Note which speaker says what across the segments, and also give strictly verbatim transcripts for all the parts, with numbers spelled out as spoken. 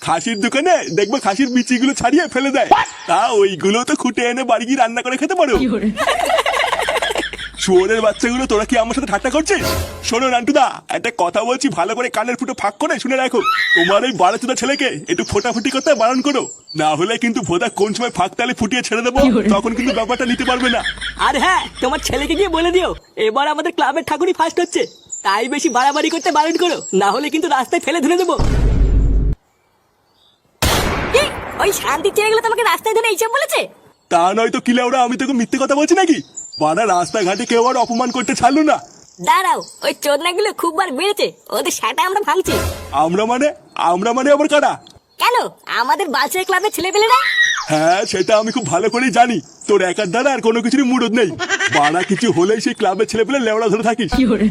Speaker 1: খাসির দোকানে দেখবো খাসির বিচিগুলো ছাড়িয়ে ফেলে দেয়, তা ওইগুলো তো খুঁটে এনে বাড়ি গিয়ে রান্না করে খেতে পারো। শুয়োরের বাচ্চাগুলো, তোরা কি আমার সাথে ঠাট্টা করছিস? শোনো নান্টুদা, একটা কথা বলছি, ভালো করে কানের ফুটো ফাঁক করে শুনে রাখো। তোমার ওই বাড়াচোদা ছেলেকে একটু ফোটাফুটি করতে বারণ করো, না হলে কিন্তু ভোদা কোন সময় ফাঁক তালে ফুটিয়ে ছেড়ে দেবো, তখন কিন্তু ব্যাপারটা নিতে পারবে না।
Speaker 2: আর হ্যাঁ, তোমার ছেলেকে গিয়ে বলে দিও এবার আমাদের ক্লাবের ঠাকুরই ফার্স্ট হচ্ছে, তাই বেশি বাড়াবাড়ি করতে বারণ করো, না হলে কিন্তু রাস্তায় ফেলে ধরে দেবো।
Speaker 3: ওই শান্তির ছেলেগুলো তোমাকে রাস্তায় ধরে এইসব বলেছে?
Speaker 1: তা নয় তো কিলে, ওরা আমি তোকে মিথ্যে কথা বলছি নাকি? বাড়া রাস্তাঘাটে কেউ আর অপমান করতে ছাড়লো না।
Speaker 3: দাঁড়াও, ওই চোদনাগুলো খুব বার বেড়েছে, ওদের সেটা আমরা ভাঙছি।
Speaker 1: আমরা মানে? আমরা মানে আবার কারা?
Speaker 3: কেন, আমাদের বালছেড়ে ক্লাবের ছেলে পেলে না?
Speaker 1: হ্যাঁ, সেটা আমি খুব ভালো করেই জানি। তোর একার দ্বারা আর কোনো কিছুরই মুরদ নেই। বাড়া কিছু হলেই সেই ক্লাবের ছেলে পেলে লেওড়া ধরে থাকিস।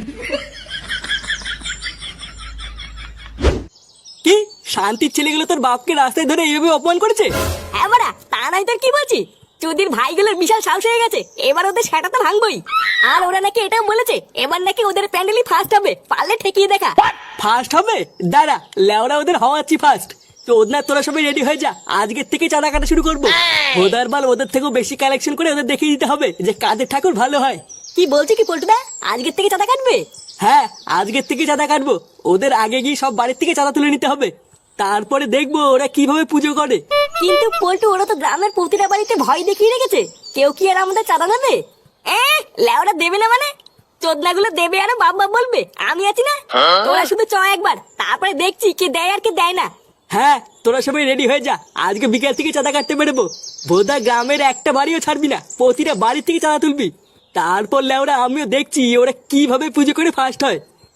Speaker 2: কি শান্তির ছেলেগুলো তোর বাপকে রাস্তায় ধরে এইভাবে অপমান করেছে?
Speaker 3: হ্যাঁ বাড়া, তা নাই তোর কি বলছি, চুদির ভাইগুলোর বিশাল সাহস হয়ে গেছে, এবার ওদের সেটা তো ভাঙবই। আর ওরা নাকি এটাও বলেছে এবার নাকি ওদের প্যান্ডেলই ফার্স্ট হবে, পারলে ঠেকিয়ে দেখা।
Speaker 2: ফার্স্ট হবে? দাঁড়া, লেওরা ওদের হওয়াচ্ছি ফার্স্ট। তো ওদনা তোরা সবাই রেডি হয়ে যা, আজকের থেকে চাঁদা কাটা শুরু করবো। ওদের বাল ওদের থেকেও বেশি কালেকশন করে ওদের দেখিয়ে দিতে হবে যে কাদের ঠাকুর ভালো হয়।
Speaker 3: কি বলছি কি পল্টুদা, আজকের থেকে চাঁদা কাটবে?
Speaker 2: হ্যাঁ, আজকের থেকে চাঁদা কাটবো। ওদের আগে গিয়ে সব বাড়ির থেকে চাঁদা তুলে নিতে হবে, তারপরে দেখবো ওরা কিভাবে পুজো করে।
Speaker 3: কিন্তু পল্টু, ওরা তো গ্রামের প্রতিটা বাড়িতে ভয় দেখিয়ে রেখেছে, কেউ কি আর আমাদের চাঁদা দেবে? এ লেওরা দেবে না মানে? চোদনাগুলো দেবে আর বাপ বাপ বলবে, আমি আছি না। তোরা শুধু চ একবার, তারপরে দেখছি কে দেয় আর কে দেয় না।
Speaker 2: হ্যাঁ, তোরা সবাই রেডি হয়ে যা, আজকে বিকেল থেকে চাঁদা কাটতে বেরোবো। বোধা গ্রামের একটা বাড়িও ছাড়বি না, প্রতিটা বাড়ির থেকে চাঁদা তুলবি। তারপর লেওরা আমিও দেখছি ওরা কিভাবে পুজো করে ফার্স্ট হয়।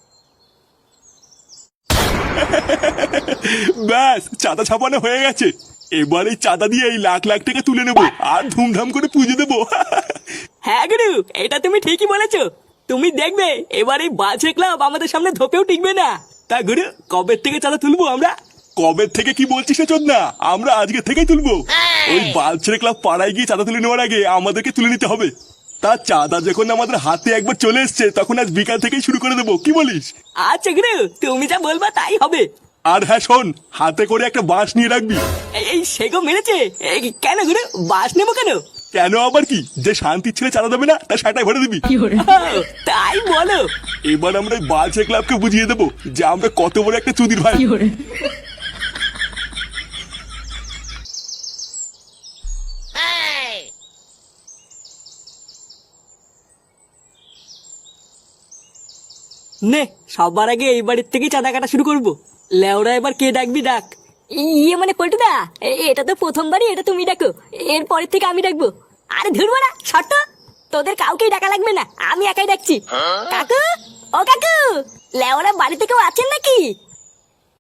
Speaker 1: ব্যাস, চাঁদা ছাপানো হয়ে গেছে। এবার এই চাঁদা দিয়ে এই লাখ লাখ টাকা তুলে নেবো আর ধুমধাম করে পুজো দেবো।
Speaker 2: হ্যাঁ গুরু, এটা তুমি ঠিকই বলেছো। তুমি দেখবে এবার এই বাজে ক্লাব আমাদের সামনে ধোপেও টিকবে না। তা গুরু, কবে থেকে চাঁদা তুলবো আমরা?
Speaker 1: কবে থেকে কি বলছিস না চোদনা, আমরা আজকে থেকেই তুলবো। ওই বালছেড়ে ক্লাব পাড়ায় গিয়ে চাঁদা তুলে নেওয়ার আগে আমাদেরকে তুলে নিতে হবে। তার চাঁদা যখন আমাদের হাতে একবার চলে এসছে, তখন আজ বিকাল থেকেই শুরু করে দেবো, কি বলিস?
Speaker 2: আচ্ছা গুরু, তুমি যা বলবা তাই হবে।
Speaker 1: আর হ্যাঁ শোন, হাতে করে একটা বাঁশ নিয়ে রাখবি।
Speaker 2: এই- এই সেগো মেরেছে। এই কেন গুরু, বাস নেবো কেন?
Speaker 1: কেন আবার কি, যে শান্তির ছেলে চাঁদা দেবে না তার সেটাই ভরে দিবি।
Speaker 2: ও, তাই বলো?
Speaker 1: এবার আমরা এই বালছেড়ে ক্লাবকে বুঝিয়ে দেবো যে আমরা কত বড় একটা চুদির ভাই।
Speaker 2: নে, সবার আগে এই বাড়ির থেকেই চাঁদা কাটা শুরু করবো। লেওরা এবার কে ডাকবি ডাক।
Speaker 3: ইয়ে মানে পল্টুদা, এ- এটা তো প্রথমবারই, এটা তুমি ডাকো, এর পরের থেকে আমি ডাকবো। আরে ধরবো না, শর্ত তোদের কাউকেই ডাকা লাগবে না, আমি একাই ডাকছি। কাকু, ও কাকু, লেওরা বাড়িতে কেউ আছেন নাকি?